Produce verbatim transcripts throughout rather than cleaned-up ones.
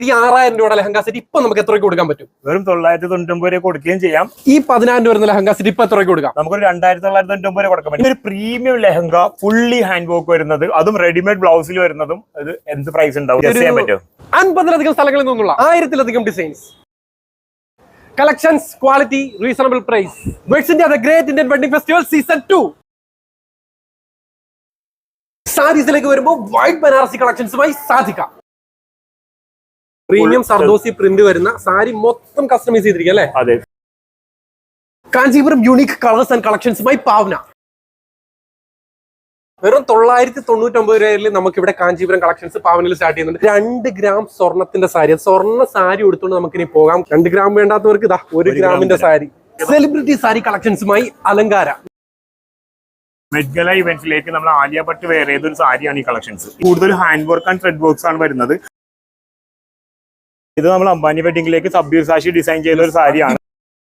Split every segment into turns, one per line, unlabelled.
ഈ ആറായിരം രൂപയുടെ ലെഹങ്ക സെറ്റ് ഇപ്പൊ നമുക്ക് എത്ര രൂപ കൊടുക്കാൻ പറ്റും?
വെറും തൊള്ളായിരത്തി തൊണ്ണൂറ്റൊമ്പത് രൂപ കൊടുക്കുകയും ചെയ്യാം.
ഈ പതിനായിരം രൂപ വരുന്ന ലെഹങ്ക സെറ്റ് ഇപ്പൊ എത്ര രൂപ കൊടുക്കാം?
നമുക്കൊരു രണ്ടായിരത്തി തൊള്ളായിരത്തി തൊണ്ണൂറ്റൊമ്പത് രൂപ കൊടുക്കാൻ പറ്റും. ഒരു premium lehenga fully hand work വരുന്നത്, അതും റെഡിമെയ്ഡ് ബ്ലൗസിൽ വരുന്നതും ഇത് എന്ത് പ്രൈസ് ഉണ്ടാവും? ചെയ്യാൻ പറ്റും.
അൻപതിലധികം സ്ഥലങ്ങളിൽ നിന്നുള്ള ആയിരത്തിലധികം designs, collections, quality, reasonable price. Weds India the great Indian wedding festival season two. സാരീസിലേക്ക് വരുമ്പോൾ വൈറ്റ് ബനാറസി കളക്ഷൻസുമായി സാധിക്കാം. പ്രീമിയം സർദോസി പ്രിന്റ് വരുന്ന സാരി മൊത്തം കസ്റ്റമൈസ് ചെയ്തിരിക്കുക അല്ലെ?
അതെ.
കാഞ്ചീപുരം യൂണിക് കളേഴ്സ് ആൻഡ് കളക്ഷൻസുമായി പാവന. വെറും തൊള്ളായിരത്തി തൊണ്ണൂറ്റി ഒമ്പത് രൂപയിൽ നമുക്ക് ഇവിടെ കാഞ്ചീപുരം കളക്ഷൻസ് പാവനയിൽ സ്റ്റാർട്ട് ചെയ്യുന്നുണ്ട്. രണ്ട് ഗ്രാം സ്വർണത്തിന്റെ സാരി, സ്വർണ്ണ സാരി എടുത്തുകൊണ്ട് നമുക്ക് ഇനി പോകാം. രണ്ട് ഗ്രാം വേണ്ടാത്തവർക്ക് ഇതാ ഒരു ഗ്രാമിന്റെ സാരി. സെലിബ്രിറ്റി സാരി കളക്ഷൻസുമായി അലങ്കാര.
മെഡ്ഗല ഇവന്റിലേക്ക് നമ്മൾ ആലിയ ഭട്ട് വെയർ ചെയ്തൊരു സാരിയാണ് ഈ കളക്ഷൻസ്. കൂടുതൽ hand work and thread works ആണ് വരുന്നത്. ഇത് നമ്മൾ അംബാനി വെഡിങ്ങിലേക്ക് സബ്ബീർ സാഷി ഡിസൈൻ ചെയ്ത ഒരു സാരിയാണ്.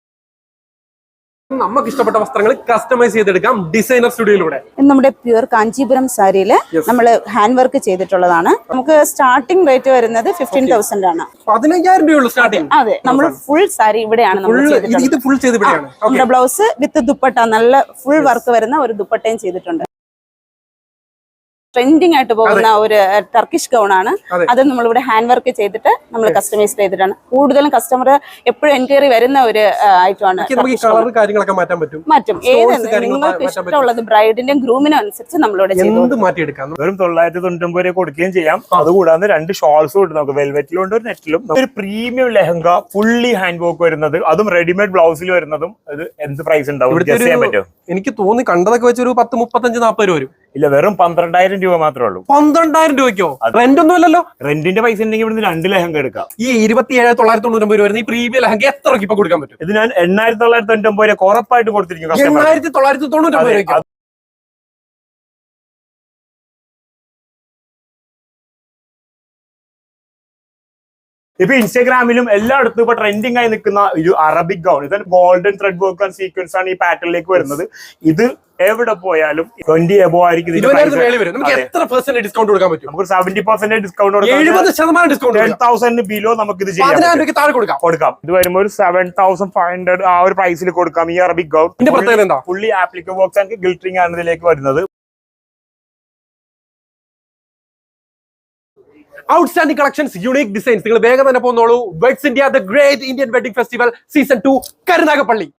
നമുക്ക് ഇഷ്ടപ്പെട്ട വസ്ത്രങ്ങൾ കസ്റ്റമൈസ് ചെയ്തെടുക്കാം ഡിസൈനർ സ്റ്റുഡിയോയിലൂടെ.
നമ്മുടെ പ്യൂർ കാഞ്ചീപുരം സാരിയില് നമ്മൾ ഹാൻഡ് വർക്ക് ചെയ്തിട്ടുള്ളതാണ്. നമുക്ക് സ്റ്റാർട്ടിംഗ് റേറ്റ് വരുന്നത് ഫിഫ്റ്റീൻ തൗസൻഡ് ആണ്.
പതിനയ്യായിരം രൂപയുള്ള സ്റ്റാർട്ടിംഗ്.
അതെ, നമ്മൾ ഫുൾ സാരി ഇവിടെയാണ് നമ്മുടെ ബ്ലൗസ് വിത്ത് ദുപ്പട്ട, നല്ല ഫുൾ വർക്ക് വരുന്ന ഒരു ദുപ്പട്ടയും ചെയ്തിട്ടുണ്ട്. ട്രെൻഡിങ് ആയിട്ട് പോകുന്ന ഒരു ടർക്കിഷ് ഗൗൺ ആണ് അത്. നമ്മളിവിടെ ഹാൻഡ് വർക്ക് ചെയ്തിട്ട് നമ്മൾ കസ്റ്റമൈസ് ചെയ്തിട്ടാണ്. കൂടുതലും കസ്റ്റമർ എപ്പോഴും എൻക്വയറി വരുന്ന ഒരു ഐറ്റമാണ്. മാറ്റും ഏത് നിങ്ങൾക്ക് ഇഷ്ടമുള്ളത് ബ്രൈഡിന്റെയും ഗ്രൂമിനും അനുസരിച്ച് നമ്മളിവിടെ
മാറ്റിയെടുക്കാം.
വെറും തൊള്ളായിരത്തി തൊണ്ണൂറ്റൊമ്പത് രൂപ കൊടുക്കുകയും ചെയ്യാം. അതുകൂടാതെ രണ്ട് ഷോൾസും ഉണ്ട് നമുക്ക്. വെൽവെറ്റിലും ഉണ്ട്, ഒരു നെറ്റിലും. ഒരു premium lehenga fully hand work വരുന്നത്, അതും റെഡിമെയ്ഡ് ബ്ലൗസിൽ വരുന്നതും ഇത് എന്ത് പ്രൈസ് ഉണ്ടാവും? ചെയ്യാൻ പറ്റും.
എനിക്ക് തോന്നി കണ്ടതൊക്കെ വെച്ച് ഒരു പത്ത് മുപ്പത്തഞ്ച് നാപ്പത് രൂപ വരും.
ഇല്ല, വെറും പന്ത്രണ്ടായിരം രൂപ മാത്രമേ ഉള്ളൂ.
പന്ത്രണ്ടായിരം രൂപയ്ക്കോ? റെന്റ് ഒന്നും ഇല്ലല്ലോ.
റെന്റിന്റെ പൈസ ഉണ്ടെങ്കിൽ ഇവിടുന്ന് രണ്ട് ലെഹങ്ക എടുക്കാം.
ഈ ഇരുപത്തി ഏഴ് തൊള്ളായിരത്തി തൊണ്ണൂറ്റി രൂപ വരുന്ന ഈ പ്രീമിയം ലെഹങ്ക എത്ര രൂപ ഇപ്പൊ കൊടുക്കാൻ പറ്റും?
ഇത് ഞാൻ എണ്ണായിരത്തി തൊള്ളായിരത്തി തൊണ്ണൂറ്റി ഒമ്പത് രൂപ ഉറപ്പായിട്ട് കൊടുത്തിരിക്കും.
എണ്ണായിരത്തി തൊള്ളായിരത്തി തൊണ്ണൂറ്റി ഒമ്പത് രൂപ.
ഇപ്പൊ ഇൻസ്റ്റാഗ്രാമിലും എല്ലായിടത്തും ഇപ്പൊ ട്രെൻഡിങ് ആയി നിൽക്കുന്ന ഒരു അറബിക് ഗൗൺ, ഇത് golden thread work and sequence ആണ് ഈ പാറ്റേണിലേക്ക് വരുന്നത്. ഇത് എവിടെ പോയാലും ട്വന്റി എബോ ആയിരിക്കും. നമുക്ക് seventy percent discount ten thousand below നമുക്ക് ഇത് ചെയ്യാം, കൊടുക്കാം. ഇത് വരുമ്പോൾ ഒരു സെവൻ തൗസൻഡ് ഫൈവ് ഹൺഡ്രഡ് ആ ഒരു പ്രൈസിൽ കൊടുക്കാം. ഈ Arabic gown fully applicable works and glittering ആണ് ഇതിലേക്ക് വരുന്നത്.
Outstanding collections, unique designs. നിങ്ങൾ വേഗം തന്നെ പോന്നോളൂ. Weds India the great Indian wedding festival season two, Karunagappally.